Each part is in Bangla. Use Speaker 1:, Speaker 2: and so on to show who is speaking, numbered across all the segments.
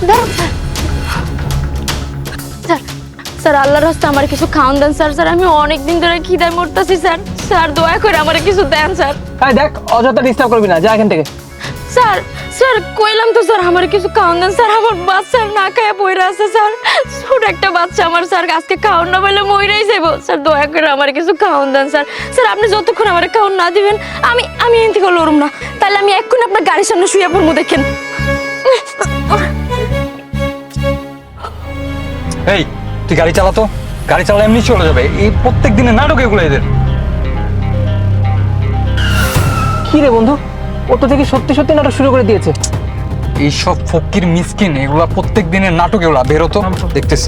Speaker 1: স্যার স্যার আল্লাহর রাস্তা আমার কিছু খাওয়ান দেন স্যার। স্যার আমি অনেক দিন ধরে খিদায় মরতেছি স্যার। স্যার দয়া করে আমার কিছু দেন স্যার।
Speaker 2: এই দেখ, অযথা ডিস্টার্ব করবি না, যা এখান থেকে।
Speaker 1: স্যার স্যার কইলাম তো স্যার আমার কিছু খাওয়ান দেন স্যার। আমার বাচ্চা না খায় পইরা আছে স্যার। ছোট একটা বাচ্চা আমার স্যার, আজকে খাওয়ান না বলে মইরাই যাইব স্যার। দয়া করে আমার কিছু খাওয়ান দেন স্যার। স্যার আপনি যতক্ষণ আমার খাওয়ান না দিবেন আমি এখান থেকে লড়ুম না। তাহলে আমি এক্ষুনি আপনার গাড়ির সামনে শুয়ে পড়বো, দেখেন।
Speaker 3: এই তুই গাড়ি চালাতো, গাড়ি চালা এমনি চলে যাবে। এই প্রত্যেক দিনের নাটক এগুলো এদের।
Speaker 2: কি রে বন্ধু, ও তো থেকে সত্যি সত্যি নাটক শুরু করে দিয়েছে।
Speaker 3: এইসব ফকির মিসকিন এগুলা প্রত্যেক দিনের নাটক, এগুলা বেরোতো দেখতেছি।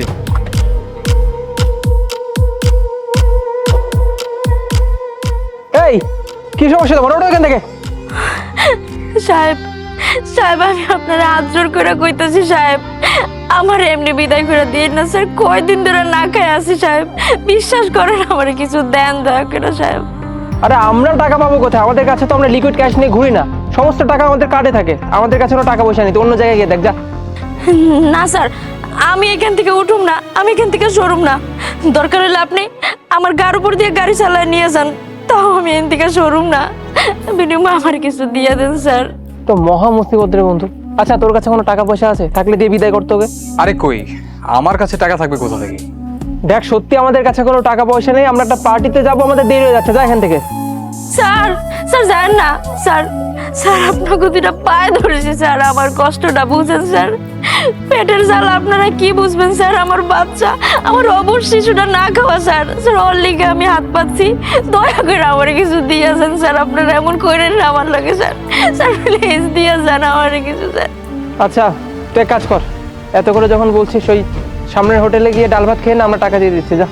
Speaker 2: এই কি সমস্যা তোমার, ওটা এখান থেকে।
Speaker 1: সাহেব সাহেব আমি আপনার হাত জোর করে কইতাছি সাহেব, আমার এমনি বিদায় করে দিন না স্যার। কয়দিন ধরে না খাই আছি সাহেব, বিশ্বাস করেন আমার কিছু দেন দয়া করে সাহেব।
Speaker 2: আরে আমরা টাকা পাবো কোথায়? আমাদের কাছে তো আমরা লিকুইড ক্যাশ নিয়ে ঘুরি না, সমস্ত টাকা আমাদের কার্ডে থাকে। আমাদের কাছে কোনো টাকা পয়সা নেই, তো অন্য জায়গায় গিয়ে দেখ যা।
Speaker 1: না স্যার আমি এখান থেকে উঠুম না, আমি এখান থেকে সরুম না। দরকার হলে আপনি আমার গাড়ির উপর দিয়ে গাড়ি চালায় নিয়ে যান, তাও আমি এখান থেকে সরুম না। বিনিময়ে আমার কিছু দিয়ে দেন স্যার।
Speaker 2: তো মহা মুসিবত রে বন্ধু। আচ্ছা তোর কাছে কোনো টাকা পয়সা আছে? থাকলে দিয়ে বিদায় করতে হবে।
Speaker 3: আরে কই, আমার কাছে টাকা থাকবে কোথা থেকে?
Speaker 2: দেখ সত্যি আমাদের কাছে কোনো টাকা পয়সা নেই, আমরা একটা পার্টিতে যাবো, আমাদের দেরি হয়ে যাচ্ছে, যা এখান থেকে।
Speaker 1: স্যার স্যার যান না স্যার। স্যার আপনাকে দুটা পায়ে ধরেছি স্যার, আমার কষ্টটা বুঝেন স্যার। পেটের জ্বালা আপনারা কি বুঝবেন স্যার। আমার বাচ্চা, আমার অবশ শিশুটা না খাওয়া স্যার। স্যার ওর লিগে আমি হাত পাচ্ছি, দয়া করে আমার কিছু দিয়ে যান স্যার। আপনারা এমন করেন না আমার লাগে স্যার। স্যার প্লিজ দিয়ে যান আমার কিছু স্যার।
Speaker 2: আচ্ছা তুই এক কাজ কর, এত করে যখন বলছিস ওই সামনের হোটেলে গিয়ে ডাল ভাত খেয়ে না, আমরা টাকা দিয়ে দিচ্ছি, যা।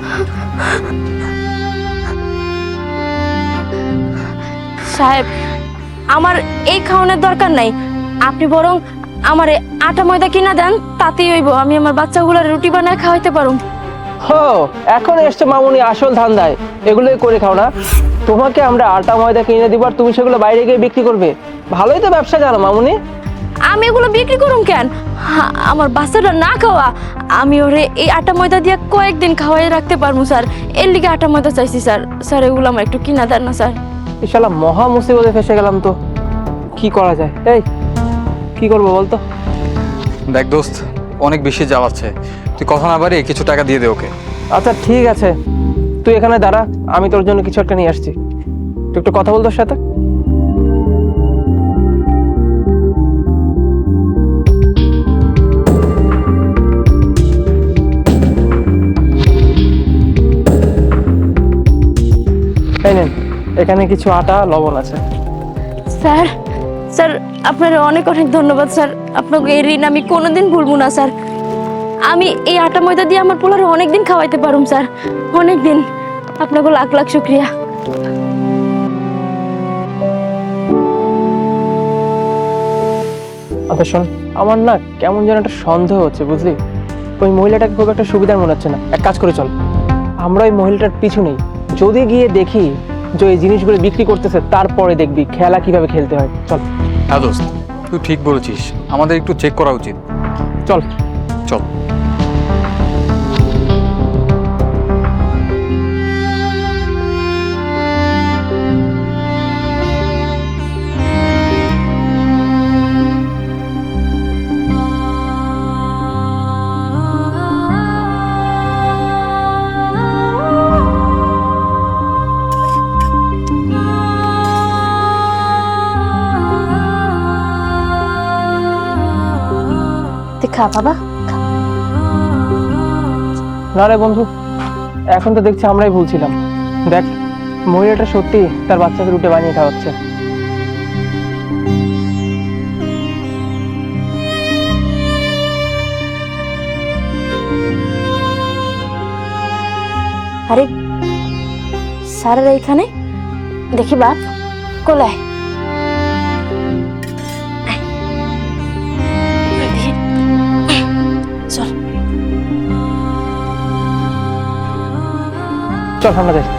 Speaker 1: সাহেব আমার এই খাওয়ানোর দরকার নাই, আপনি বরং আমার আটা ময়দা কিনা দেন, তাতেই হইব। আমি আমার বাচ্চাগুলোর রুটি বানায় খাওয়াইতে পারুম।
Speaker 2: হো, এখন এসছে মামুনি আসল ধান্দায়, এগুলোই করে খাও না। তোমাকে আমরা আটা ময়দা কিনে দিব আর তুমি সেগুলো বাইরে গিয়ে বিক্রি করবে। ভালোই তো ব্যবসা জানো মামুনি।
Speaker 1: আমি এগুলো বিক্রি করুম কেন? আমার বাচ্চাটা না খাওয়া, আমি ওরে এই আটা ময়দা দিয়ে কয়েকদিন খাওয়াই রাখতে পারবো স্যার। এর লিগে আটা ময়দা চাইছি স্যার। স্যার এগুলো আমার একটু কিনা দেন না স্যার।
Speaker 2: ইনশাল্লাহ মহা মুসিবতে ফেসে গেলাম তো, কি করা যায়? এই কি করবো বলতো?
Speaker 3: দেখ দোস্ত, অনেক বেশি জ্বালাচ্ছে, তুই কথা না বাড়িয়ে কিছু টাকা দিয়ে দে ওকে।
Speaker 2: আচ্ছা ঠিক আছে, তুই এখানে দাঁড়া, আমি তোর জন্য কিছু একটা নিয়ে আসছি। তুই একটু কথা বল তোর সাথে। এই নেন, এখানে কিছু আটা লবণ আছে।
Speaker 1: স্যার স্যার আপনার অনেক অনেক ধন্যবাদ স্যার। আপনাকে এই ঋণ আমি কোনোদিন ভুলবো না স্যার। আমি এই আটা ময়দা দিয়ে আমার পোলারে অনেকদিন খাওয়াইতে পারুম স্যার, অনেকদিন। আপনাকে লাখ লাখ শুক্রিয়া।
Speaker 2: আচ্ছা শোন, আমার না কেমন যেন একটা সন্দেহ হচ্ছে বুঝলি। ওই মহিলাটাকে খুব একটা সুবিধার মনে হচ্ছে না। এক কাজ করে চল, আমরা ওই মহিলাটার পিছু নেই, যদি গিয়ে দেখি যে এই জিনিসগুলো বিক্রি করতেছে, তারপরে দেখবি খেলা কিভাবে খেলতে হয়। চল।
Speaker 3: হ্যাঁ দোস্ত, তুই ঠিক বলেছিস, আমাদের একটু চেক করা উচিত।
Speaker 2: চল
Speaker 3: চল।
Speaker 1: খা বাবা।
Speaker 2: না রে বন্ধু, এখন তো দেখছি আমরাই ভুলছিলাম। দেখ মহিলাটা সত্যি তার বাচ্চাকে রুটি বানিয়ে খাওয়াচ্ছে।
Speaker 1: আরে স্যারের এইখানে দেখি বাপ কোলায়। চল
Speaker 2: চল আমরা যাই।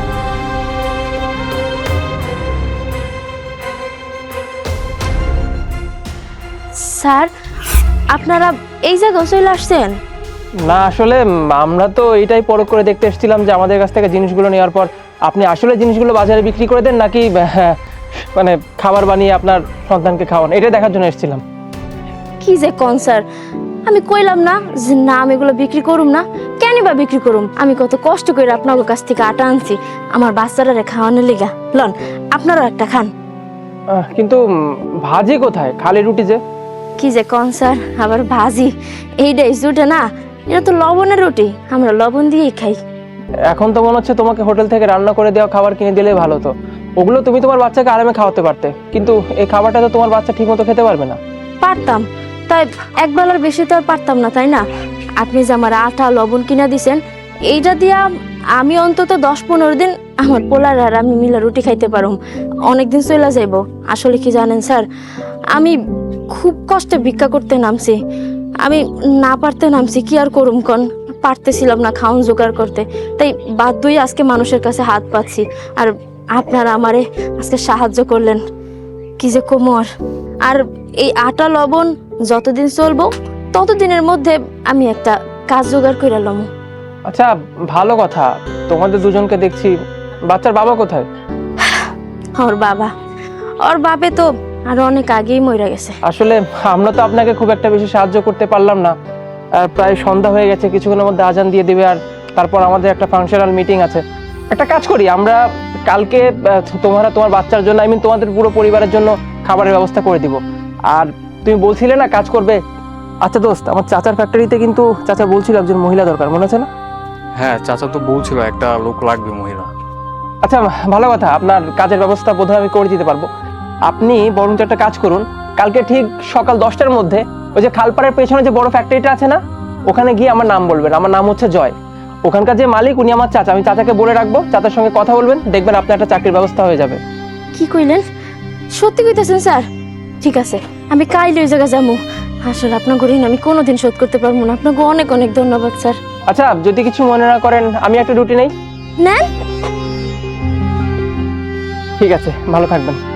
Speaker 1: স্যার আপনারা এই জায়গায় চলে আসছেন?
Speaker 2: না আসলে আমরা তো এইটাই পরখ করে দেখতে এসেছিলাম যে আমাদের কাছ থেকে জিনিসগুলো নেওয়ার পর আপনি আসলে জিনিসগুলো বাজারে বিক্রি করে দেন নাকি মানে খাবার বানিয়ে আপনার সন্তানকে খাওয়ান, এটা দেখার জন্য এসেছিলাম।
Speaker 1: কি যে কোন স্যার, আমি কইলাম না যে না আমি এগুলো বিক্রি করুম না। কেন বা বিক্রি করুম? আমি কত কষ্ট করে আপনার কাছ থেকে আটা আনছি আমার বাচ্চারা খাওয়ানোর লিগা। লন, আপনারাও একটা খান।
Speaker 2: কিন্তু ভাজি কোথায়? খালি রুটি যে।
Speaker 1: কি যে কোন স্যার, আবার ভাজি? এইটাই জুটে না, এটা তো লবণের রুটি, আমরা লবণ দিয়েই খাই।
Speaker 2: এখন তো মনে হচ্ছে তোমাকে হোটেল থেকে রান্না করে দেওয়া খাবার কিনে দিলেই ভালো হতো। ওগুলো তুমি তোমার বাচ্চাকে আরামে খাওয়াতে পারতে, কিন্তু এই খাবারটা তো তোমার বাচ্চা ঠিকমতো খেতে পারবে না।
Speaker 1: পারতাম, তাই এক বেলার বেশি তো আর পারতাম না, তাই না? আপনি যে আমার আটা লবণ কিনা দিছেন, এইটা দিয়া আমি অন্তত 10-15 দিন আমার পোলার আর আমি মিলা রুটি খাইতে পারুম, অনেকদিন চলে যাইব। আসলে কি জানেন স্যার, আমি খুব কষ্টে ভিক্ষা করতে নামছি। আমি না পারতে নামছি, কি আর করুম কন? পারতেছিলাম না খাওন জোগাড় করতে, তাই বাধ্যই আজকে মানুষের কাছে হাত পাচ্ছি। আর আপনারা আমারে আজকে সাহায্য করলেন, কি যে কোমর। আর এই আটা লবণ যতদিন চলবো ততদিনের মধ্যে আমি একটা কাজ জোগাড় করে লম।
Speaker 2: আচ্ছা ভালো কথা, তোমাদের দুজনকে দেখছি। বাচ্চার বাবা কোথায়?
Speaker 1: ওর বাপে তো আর অনেক আগেই মরে গেছে।
Speaker 2: আসলে আমরা তো আপনাকে খুব একটা বেশি সাহায্য করতে পারলাম না। প্রায় সন্ধ্যা হয়ে গেছে, কিছুক্ষণের মধ্যে আজান দিয়ে দিবে, আর তারপর আমাদের একটা ফাংশনাল মিটিং আছে। একটা কাজ করি, আমরা কালকে তোমার বাচ্চার জন্য, তোমাদের পুরো পরিবারের জন্য খাবারের ব্যবস্থা করে দিব। আর তুমি বলছিলে না কাজ করবে। আচ্ছা দোস্ত, আমার চাচার ফ্যাক্টরিতে কিন্তু চাচা বলছিল একজন মহিলা দরকার, মনে আছে না?
Speaker 3: হ্যাঁ, চাচা তো বলছিল একটা লোক লাগবে, মহিলা।
Speaker 2: আচ্ছা ভালো কথা, আপনার কাজের ব্যবস্থা বোধহয় আমি করে দিতে পারবো। আপনি বরঞ্চ একটা কাজ করুন, কালকে ঠিক সকাল 10টার মধ্যে ওই যে খালপাড়ের পেছনে যে বড় ফ্যাক্টরিটা আছে না, ওখানে গিয়ে আমার নাম বলবেন। আমার নাম হচ্ছে জয়। ওখানকার যে মালিক উনি আমার চাচা, আমি চাচাকে বলে রাখবো, চাচার সঙ্গে কথা বলবেন, দেখবেন আপনার একটা চাকরির ব্যবস্থা হয়ে যাবে।
Speaker 1: কি কইলেন? সত্যি কইতেছেন স্যার? ঠিক আছে, আমি কাইলে ওই জায়গা যাবো। আসলে আপনার ঋণ আমি কোনোদিন শোধ করতে পারবো না। আপনাকে অনেক অনেক ধন্যবাদ স্যার।
Speaker 2: আচ্ছা যদি কিছু মনে না করেন, আমি একটা রুটি নেই।
Speaker 1: নেন।
Speaker 2: ঠিক আছে, ভালো থাকবেন।